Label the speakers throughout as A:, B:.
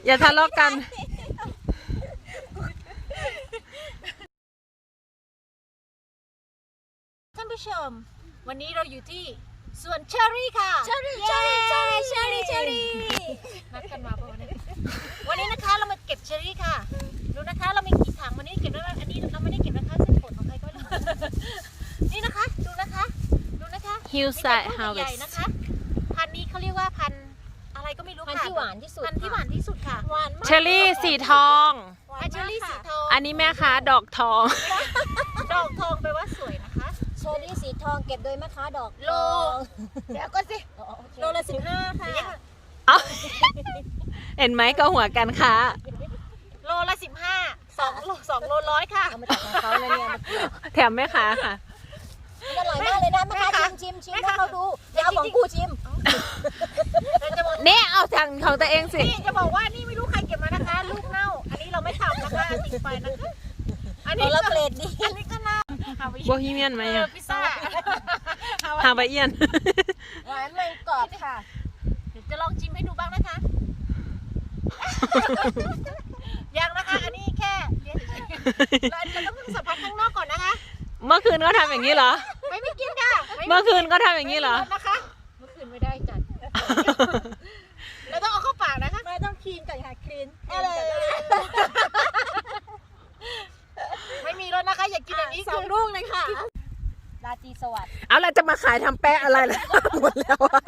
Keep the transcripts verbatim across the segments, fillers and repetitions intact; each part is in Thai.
A: อย่าทะเลาะกัน
B: ท่านผู้ชมวันนี้เราอยู่ที่สวนเชอรี่ค่ะ
C: เชอรี่เชอรี่เชอรี่เชอรี่เชอรี่
B: นัดกันมาป่ะวันนี้วันนี้นะคะเรามาเก็บเชอรี่ค่ะดูนะคะเรามีกี่ถังวันนี้เก็บได้อันนี้เราไม่ได้เก็บนะคะเส้นผลของใครก็ไม่รู้นี่นะคะดูนะคะดูนะคะ
A: Hillside
B: ใหญ่ๆนะคะพันธุ์นี้เขาเรียกว่าพันธุ์อะไรก็ไม่รู้ค่ะ
C: พันธุ์ที่หวานที่สุด
B: พันธุ์ที่หวานที่สุดค่ะหวานมาก
A: เชอรี่สีทอง
B: พันธุ์เชอรี่สีทอง
A: อันนี้แม่ค้าดอกทอง
B: ดอกทองแปลว่าสวยนะคะ
C: เชอรี่สีทองเก็บโดยแม่ค้าดอก
B: โลเดี๋ยวก็สิโลละสิบห้าค่ะ
A: เอ้าเห็นไหมก็หัวกันค้า
B: โลละสิบห้าสองโลสองโลร้อยค่ะ
C: เอามาจากของเขาเลยเนี่ยมาเกี่ยว
A: แถมแม่ค้าค่ะ
C: มันอร่อยมากเลยนะแม่ค้าชิมชิมชิมให้เขาดูเดี๋ยวเอาของกูชิม
B: เราจะบอก
A: เนี่ยเอาทางของตัวเองสิ
B: นี่จะบอกว่านี่ไม่รู้ใครเก็บมานะคะลูกเน่าอันนี้เราไม่ทำนะคะทิ้งไปนะคะอัน
C: ข
B: นี้
C: องเราเกรดดี
B: อันนี้ก็น่า
A: โบฮีเมียนไหม
B: เออ
A: อะ
B: พิซซ่า
A: ฮาวายเอียน
C: หวานมันกรอบค่ะ
B: เดี๋ยวจะลองชิมให้ดูบ้างนะคะยังนะคะอันนี้แค่เดี๋ยวเราจะต้องสัมผัสข้างนอกก่อนนะคะ
A: เมื่อคืนก็ทำอย่างนี้เหรอ
B: ไม่ไม่กินค่ะ
A: เมื่อคืนก็ทำอย่างนี้เหรอ
B: นะคะเมื่อคืนไม่ได้จัดเราต้องเอาเข้าปากนะคะ
C: ไม่ต้องคลีนก่อนค่ะคลีน
B: อะไรไม่มีแล้วนะคะอย่ากินอย่างนี้
C: สองลูกเลยค่ะราตรีสวัสดิ์
A: เอาเราจะมาขายทำแปะอะไรล่ะหมดแล้วอะ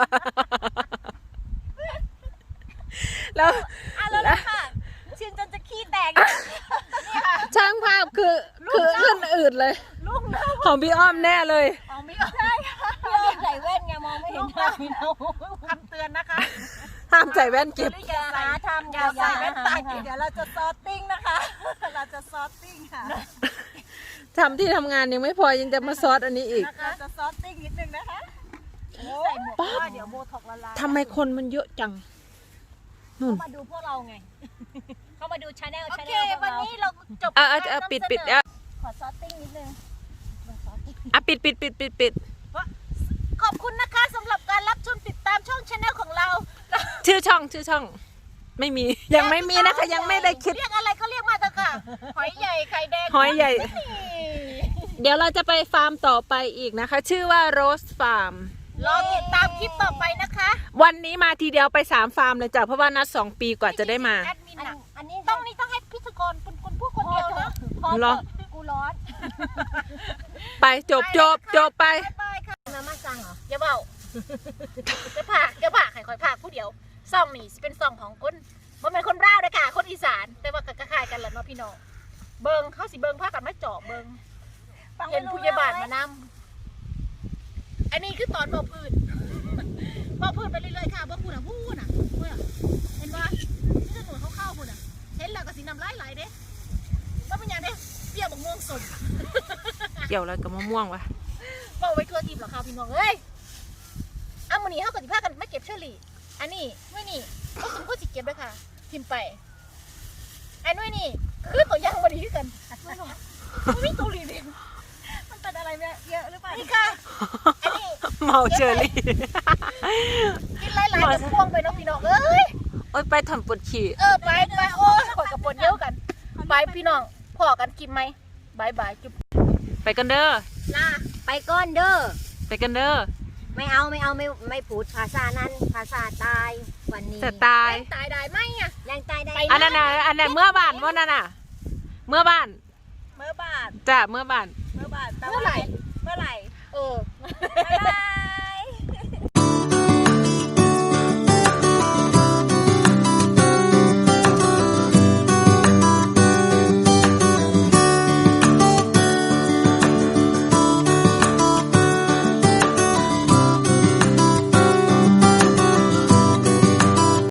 A: แล้ว
C: อ่ะแล้วค่ะชิมจนจะขี้แตก
A: ช่างภาพคือคือขึ้นอืดเลย
B: ลูกเน่า
A: ของพี่อ้อมแน่เลย
B: ของไม่ใช่ค่ะ
C: พี่อ้อมใส่แว่นไงมองไม่เห็นหน้าพี่น้อง
B: คำเตือนนะคะ
A: ห้ามใส่แว่นเก็บ
C: อย่าหาทำ
B: อย่าใส่แว่นตา
C: เดี๋ยวเราจะซอสติ้งนะคะ เราจะซอสติ้งค่ะ
A: ทำที่ทำงานยังไม่พอยังจะมาซอสอันนี้อีก
C: เราจะซอสติ้งนิดนึงนะคะ
B: ใส่หมวกเพราะว่าเดี๋ยวโบท็อกละลาย
A: ทำไมคนมันเยอะจังนู่น
C: เขามาดูพวกเราไง เขามาดูชาแนล
B: โอ
C: ชา
B: เค
C: แนลพว
B: วั
C: ก
B: น
C: เรา
B: นี้เราจบ
A: อ่ะอ่ะอ่ะปิดปิดอ่ะ
C: ขอซอสติ้งนิดนึงซอสติ้ง
A: อ่ะปิดปิดปิดปิดปิด
B: ขอบคุณนะคะสำหรับการรับชมติดตามช่องชาแนลของเรา
A: ชื่อช่องชื่อช่อง ไม่มียังไม่มีนะคะยังไม่ได้คิด
B: เรียกอะไรก็เรียกมาเถอะค่ะหอยใหญ่ไข่แดง
A: หอยใหญ่
B: นี่
A: เดี๋ยวเราจะไปฟาร์มต่อไปอีกนะคะ ชื่อว่า Rose Farm
B: รอติดตามคลิปต่อไปนะคะ
A: วันนี้มาทีเดียวไปสามฟาร์มเลยจ้ะเพราะว่านัดสองปีกว่าจะได้มา
B: แอดมิน
C: อัน
B: อะ
C: อันนี้
B: ต้องนี้ต้องให้พิธีกรเป็นคนพูดคนเดียวเนาะ
C: พอ
A: เหรอ
C: กูร้อน
A: ไปจบจบจบไป
B: บ๊ายบายค่ะ
C: มาม่าจังเหรอ
B: อย่าเบาจะผ่าจะผ่าใครคอยผ่าผู้เดียวซองนี่เป็นซองของคนมันเป็นคนร่าวเลยค่ะ คนอีสานแต่ว่าก็คล้ายๆกันแหละเนาะพี่น้องเบิงเขาสิเบิงผ้ากันไม่เจาะเบิงเห็นผู้ใหญ่บ้านมานำอันนี้คือตอนเบาพื้นเบาพื้นไปเรื่อยๆค่ะเบาพื้นอ่ะพูดอ่ะพูดอ่ะเห็นว่าที่ถนนเขาเข้าพูดอ่ะเห็นแล้วก็สีน้ำลายไหลเด้ว่าเป็นยังไงเปรี้ยวบักม่วงสด
A: เกี่ยวอะไรกับมะม่วงวะ
B: บอกไว้ทั่วทีมหรอค่ะพี่น้องเอ้ยเอามือนี้เขากับสิพากันไม่เก็บเชอรี่อันนี้ไม่นี่ก็สมก็สิเก็บเลยค่ะทิมไปอันนู้นนี่คือตัวอย่างบดีกันไม่หรอกไม่มีตัวรีวิว
C: มันเป็นอะไรเยอะหรือเปล่า
B: นี่ค่ะอันนี้
A: เมาเชอรี่
B: กินหลายๆแบบพวงไปเนาะพี่น้องเอ้ย
A: โอ้ยไปทำปวดฉี่
B: เออไปไปโอ้ยขอกับปนเดียวกันไปพี่น้องพอกันกินไหมบายบายจุ๊บ
A: ไปกันเด้อ
B: ลา
C: ไปก้อนเด้อ
A: ไปกันเด้อ
C: ไม่เอาไม่เอาไม่ไม่พูดภาษานั้นภาษาตายวันนี้
A: แต่ตาย
B: ตายได้ไหมอ่ะ
C: แรงตายได้
A: อันนั้นน่ะอันนั้นเมื่อบ้านว่านั่นน่ะ เมื่อบ้าน
C: เมื่อบาท
A: จ้ะเมื่อบ้าน
C: เมื่อบาท
B: เมื่อไหร่
C: เมื่อไหร่
B: เออ
C: บ๊ายบาย